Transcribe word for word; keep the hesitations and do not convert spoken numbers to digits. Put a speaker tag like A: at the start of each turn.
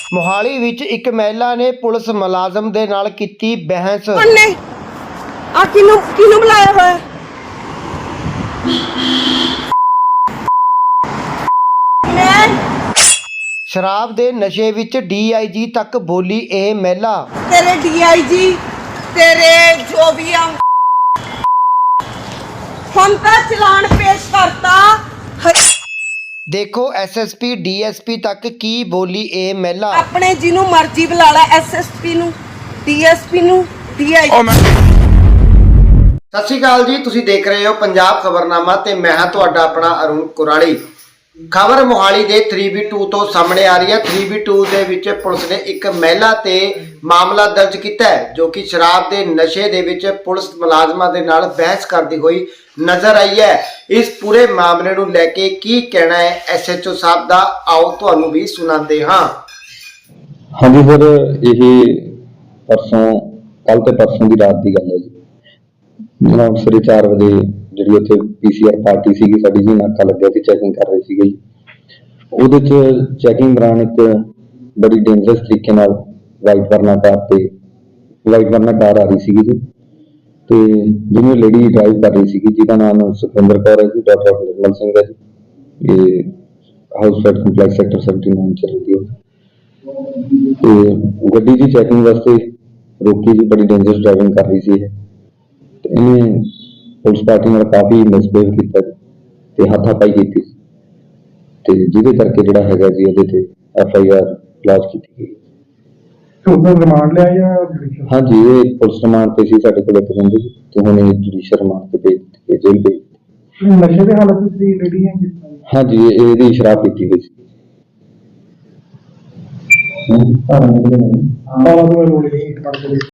A: ਮੋਹਾਲੀ ਵਿੱਚ ਇੱਕ ਮਹਿਲਾ ਨੇ ਪੁਲਿਸ ਮੁਲਾਜ਼ਮ ਦੇ ਨਾਲ ਕੀਤੀ ਬਹਿਸ।
B: ਨੇ ਆ ਕਿਨੂੰ ਕਿਨੂੰ ਬੁਲਾਇਆ ਹੋਇਆ? ਮੈਂ
A: ਸ਼ਰਾਬ ਦੇ ਨਸ਼ੇ ਵਿੱਚ ਡੀ ਆਈ ਜੀ ਤੱਕ ਬੋਲੀ ਇਹ ਮਹਿਲਾ।
B: ਤੇਰੇ ਡੀ ਆਈ ਜੀ ਤੇਰੇ ਜੋ ਵੀ ਆ ਹੁਣ ਤਾਂ ਚਲਾਨ ਪੇਸ਼ ਕਰਤਾ।
A: ਦੇਖੋ S S P D S P ਤੱਕ ਕੀ ਬੋਲੀ ਇਹ ਮਹਿਲਾ।
B: ਆਪਣੇ ਜਿਹਨੂੰ ਮਰਜ਼ੀ ਬੁਲਾ ਲੈ, ਐਸ ਐਸ ਪੀ ਨੂੰ, ਡੀ ਐਸ ਪੀ ਨੂੰ, ਡੀ ਆਈ ਜੀ।
A: ਸਤਿ ਸ਼੍ਰੀ ਅਕਾਲ ਜੀ, ਤੁਸੀਂ ਦੇਖ ਰਹੇ ਹੋ ਪੰਜਾਬ ਖਬਰਨਾਮਾ ਤੇ ਮੈਂ ਹਾਂ ਤੁਹਾਡਾ ਆਪਣਾ ਅਰੁਣ ਕੁਰਾਲੀ। ਖਬਰ ਮੋਹਾਲੀ ਦੇ ਥ੍ਰੀ ਬੀ ਟੂ ਤੋਂ ਸਾਹਮਣੇ ਆ ਰਹੀ ਹੈ। ਥ੍ਰੀ ਬੀ ਟੂ ਦੇ ਵਿੱਚ ਪੁਲਿਸ ਨੇ ਇੱਕ ਮਹਿਲਾ ਤੇ ਮਾਮਲਾ ਦਰਜ ਕੀਤਾ ਹੈ ਜੋ ਕਿ ਸ਼ਰਾਬ ਦੇ ਨਸ਼ੇ ਦੇ ਵਿੱਚ ਪੁਲਿਸ ਮੁਲਾਜ਼ਮਾਂ ਦੇ ਨਾਲ ਬਹਿਸ ਕਰਦੀ ਹੋਈ ਨਜ਼ਰ ਆਈ ਹੈ। ਇਸ ਪੂਰੇ ਮਾਮਲੇ ਨੂੰ ਲੈ ਕੇ ਕੀ ਕਹਿਣਾ ਹੈ ਐਸ ਐਚ ਓ ਸਾਹਿਬ ਦਾ, ਆਓ ਤੁਹਾਨੂੰ ਵੀ ਸੁਣਾਉਂਦੇ ਹਾਂ।
C: ਹਾਂਜੀ ਸਰ, ਇਹ ਪਰਸੋਂ ਕੱਲ ਤੇ ਪਰਸੋਂ ਦੀ ਰਾਤ ਦੀ ਗੱਲ ਹੈ ਜੀ। ਜਨਾਬ ਸਵੇਰੇ ਚਾਰ ਵਜੇ ਜਿਹੜੀ ਉੱਥੇ ਪੀ ਸੀ ਆਰ ਪਾਰਟੀ ਸੀਗੀ ਸਾਡੀ ਜੀ, ਨਾਕਾ ਲੱਗਿਆ ਸੀ, ਚੈਕਿੰਗ ਕਰ ਰਹੇ ਸੀਗੇ ਜੀ। ਉਹਦੇ 'ਚ ਚੈਕਿੰਗ ਦੌਰਾਨ ਇੱਕ ਬੜੀ ਡੇਂਜਰਸ ਤਰੀਕੇ ਨਾਲ ਵਾਈਟ ਵਰਨਾ ਕਾਰ ਤੇ ਵਾਈਟ ਵਰਨਾ ਕਾਰ ਆ ਰਹੀ ਸੀਗੀ ਜੀ, ਤੇ ਜਿਹਨੂੰ ਲੇਡੀ ਡਰਾਈਵ ਕਰ ਰਹੀ ਸੀਗੀ ਜਿਹਦਾ ਨਾਮ ਸੁਖਵਿੰਦਰ ਕੌਰ ਹੈ ਜੀ, ਡਾਕਟਰ ਆਫ ਨਿਰਮਲ ਸਿੰਘ ਹੈ ਜੀ। ਇਹ house fed complex sector seventy nine ਚ ਰਹਿੰਦੀ ਹੈ। ਤੇ ਗੱਡੀ ਦੀ ਚੈਕਿੰਗ ਵਾਸਤੇ ਰੋਕੀ ਜੀ, ਬੜੀ ਡੇਂਜਰਸ ਡਰਾਈਵਿੰਗ ਕਰ ਰਹੀ ਸੀ ਇਹ, ਤੇ ਇਹਨੇ ਪੁਲਿਸ ਪਾਰਟੀ ਨਾਲ ਕਾਫੀ ਮਿਸਬਿਹੇਵ ਕੀਤਾ ਤੇ ਹੱਥਾਪਾਈ ਕੀਤੀ, ਤੇ ਜਿਹਦੇ ਕਰਕੇ ਜਿਹੜਾ ਹੈਗਾ ਜੀ ਇਹਦੇ ਤੇ ਐਫ ਆਈ ਆਰ ਲੌਂਚ ਕੀਤੀ ਗਈ।
D: ਰਿਮਾਂਡ ਲਿਆ ਜਾਂ
C: ਹਾਂਜੀ, ਇਹ ਪੁਲਿਸ ਰਿਮਾਂਡ ਤੇ ਸੀ ਸਾਡੇ ਕੋਲ ਇੱਕ ਬੰਦੇ ਦੀ, ਤੇ ਹੁਣ ਇਹ ਜੁਡੀਸ਼ੀਅਲ ਰਿਮਾਂਡ ਤੇ ਭੇਜ ਦਿੱਤੀ ਜੇਲ੍ਹ ਭੇਜ।
D: ਨਸ਼ੇ ਦੇ ਹਾਲਤ ਵਿੱਚ ਸੀ ਲੇਡੀ ਹੈ ਕਿਸ ਤਰ੍ਹਾਂ?
C: ਹਾਂਜੀ, ਇਹ- ਇਹਦੀ ਸ਼ਰਾਬ ਪੀਤੀ ਹੋਈ ਸੀ।
D: ਹਾਂ, ਤਾਂ ਉਹ ਲੋੜ ਨਹੀਂ ਪੜਦੇ